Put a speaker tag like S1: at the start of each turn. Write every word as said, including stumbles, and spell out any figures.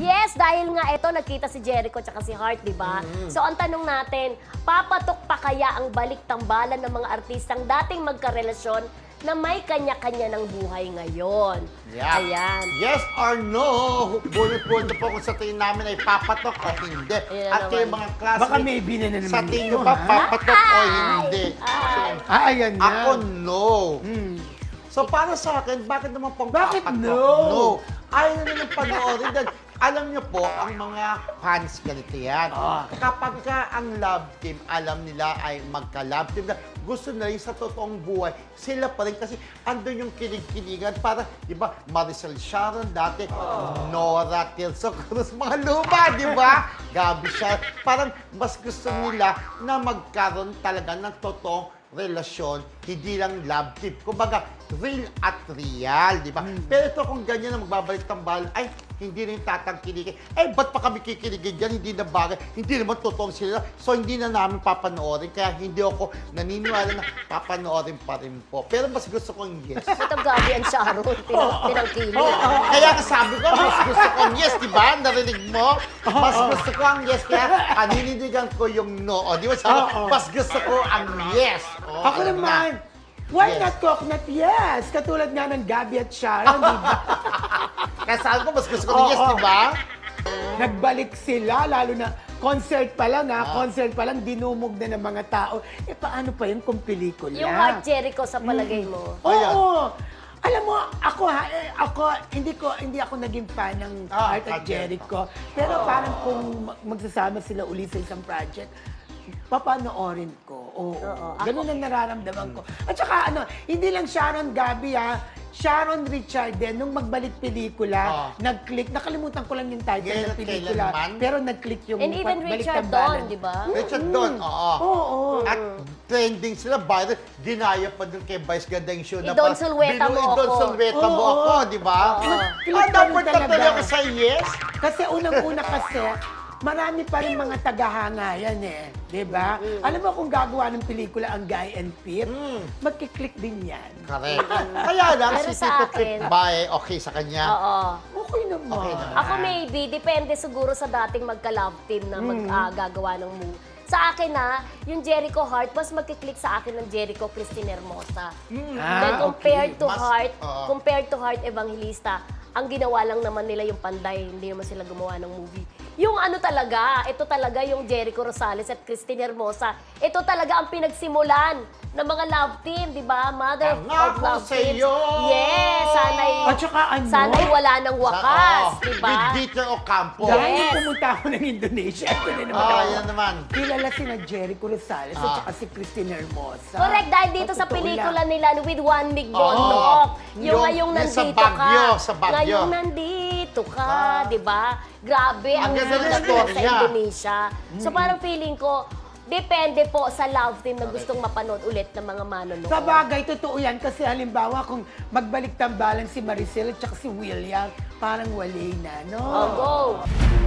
S1: Yes, dahil nga ito, nagkita si Jericho at si Heart, di ba?
S2: Mm.
S1: So, ang tanong natin, papatok pa kaya ang balik-tambalan ng mga artistang dating magkarelasyon na may kanya-kanya ng buhay ngayon?
S2: Yeah.
S1: Ayan.
S2: Yes or no? Bullet-bullet po kung sa tingin namin ay papatok o hindi.
S1: Ayan
S2: At kayo
S1: naman.
S2: mga classmates,
S3: Baka maybe na na naman
S2: sa tingin
S3: ito,
S2: nyo ba
S3: ha?
S2: papatok o hindi?
S1: Ay.
S3: Ah, ayan na.
S2: Ako, no.
S3: Hmm.
S2: So, para sa akin, bakit naman pang
S3: Bakit
S2: papatok?
S3: no?
S2: No. Ayaw na nila panoorin. Dahil alam niyo po, ang mga fans ganito yan.
S3: Ah.
S2: Kapag ka ang love team, alam nila ay magka-love team na gusto na rin sa totoong buhay, sila pa rin kasi andun yung kilig-kiligan. Para, di ba, Maricel Sharon dati, Nora Tirso Cruz, mga luma, di ba? Gabi siya. Parang mas gusto nila na magkaroon talaga ng totoong relasyon, hindi lang love team. Kumbaga, real at real, di ba? Pero ito kung ganyan na magbabalik tambal, ay, hindi rin tatangkiligin. Eh, ba't pa kami kikiligin dyan? Hindi na bagay. Hindi naman totoong sila. So, hindi na namin papanoorin. Kaya hindi ako naniniwala na papanoorin pa rin po. Pero mas gusto kong yes.
S1: Ito gabi ang Sharon, tinang, tinangkili.
S2: Kaya nga sabi ko, mas gusto kong yes, di ba? Narinig mo? Mas gusto ko ang yes. Kaya aninindigan ko yung no. O, di ba sabi,
S3: Oo.
S2: mas gusto ko ang yes. O,
S3: Ako
S2: alam
S3: naman,
S2: na.
S3: why
S2: Yes.
S3: not coconut? Yes! Katulad nga ng Gabby at Sharon, di ba?
S2: Kaya sabi ko, mas gusto ko ng yes,
S3: Oo.
S2: di ba?
S3: Nagbalik sila, lalo na concert pa lang ha,
S2: Ah.
S3: concert pa lang, dinumog na ng mga tao. Eh, paano pa yun kung pelikula?
S1: Yung Heart Jericho sa palagay mo.
S3: Oo.
S2: Ayan.
S3: Alam mo, ako ha, eh, ako, hindi ko, hindi ako naging fan ng
S2: Ah,
S3: Heart at
S2: Heart
S3: Jericho. Pero parang kung mag- magsasama sila uli sa isang project, papanoorin ko. Oo.
S1: Oo.
S3: Ganun ang nararamdaman ko. At saka ano, hindi lang Sharon Gabi ha, Sharon Richard din, nung magbalik pelikula,
S2: Ah.
S3: nag-click, nakalimutan ko lang yung title
S2: Ngayon
S3: ng
S2: at
S3: pelikula,
S2: kailanman?
S3: pero nag-click yung
S1: And even
S3: Balik
S1: Richard
S3: Tambalan.
S1: Don, di ba?
S2: Richard Don, oo.
S3: Oo.
S2: At trending sila, viral, dinaya pa dun kay Vice Ganda yung show na
S1: Idon
S2: pa-
S1: Sulweta
S2: Binu-
S1: mo
S2: Idon
S1: ako.
S2: Sulweta mo
S3: Oo.
S2: ako, di ba?
S1: Oo.
S2: Ah,
S3: Click pa rin
S2: dapat
S3: talaga.
S2: natuloy ako sa yes.
S3: Kasi unang-una kasi, marami pa rin mga tagahanga yan eh. Di ba? Alam mo kung gagawa ng pelikula ang Guy and Pip,
S2: Mm.
S3: magkiklik din yan.
S2: Correct. Kaya lang,
S1: Pero
S2: si
S1: sa
S2: Tito
S1: akin-
S2: Pip ba eh, okay sa kanya?
S1: Oo.
S3: Okay naman.
S2: Okay naman.
S1: Ako maybe, depende siguro sa dating magka-love team na mag,
S2: Mm.
S1: ah, gagawa ng movie. Sa akin na, yung Jericho Heart, mas magkiklik sa akin ng Jericho Christine Hermosa.
S3: Ah,
S1: Then compared
S3: okay.
S1: to
S2: Mas-
S1: Heart,
S2: oo.
S1: compared to Heart Evangelista, ang ginawa lang naman nila yung Panday, hindi naman sila gumawa ng movie. Yung ano talaga, ito talaga yung Jericho Rosales at Christine Hermosa, ito talaga ang pinagsimulan ng mga love team, di ba? Mother
S2: Ang
S1: of
S2: ako
S1: love teams.
S2: sa'yo.
S1: Yes, sana'y,
S3: At saka ano?
S1: sana'y wala ng wakas,
S2: Sa- oo,
S1: di ba?
S2: With Dieter Ocampo.
S1: Yes.
S3: Dahil nung pumunta ako ng Indonesia, ito na naman
S2: Ah,
S3: ako.
S2: yan naman.
S3: Kilala sina Jericho Rosales at
S2: Ah.
S3: saka si Christine Hermosa.
S1: Correct, dahil dito sa
S3: Totoo
S1: pelikula
S3: lang.
S1: nila with Juan Mig
S2: Oo.
S1: Bondoc. Yung
S2: Yung-
S1: ngayong
S2: yung sa
S1: nandito
S2: Baguio,
S1: ka.
S2: sa Baguio.
S1: Ngayong nandito ka,
S2: Ah.
S1: di ba? Grabe,
S2: Ang
S1: ang
S2: ganda ng
S1: ganda
S2: story
S1: sa
S2: niya.
S1: Indonesia. So parang feeling ko, depende po sa love team na gustong mapanood ulit ng mga manonood.
S3: Sa bagay, totoo yan. Kasi halimbawa, kung magbalik tambalan si Maricel at saka si William, parang wali na, no?
S1: Oh, go!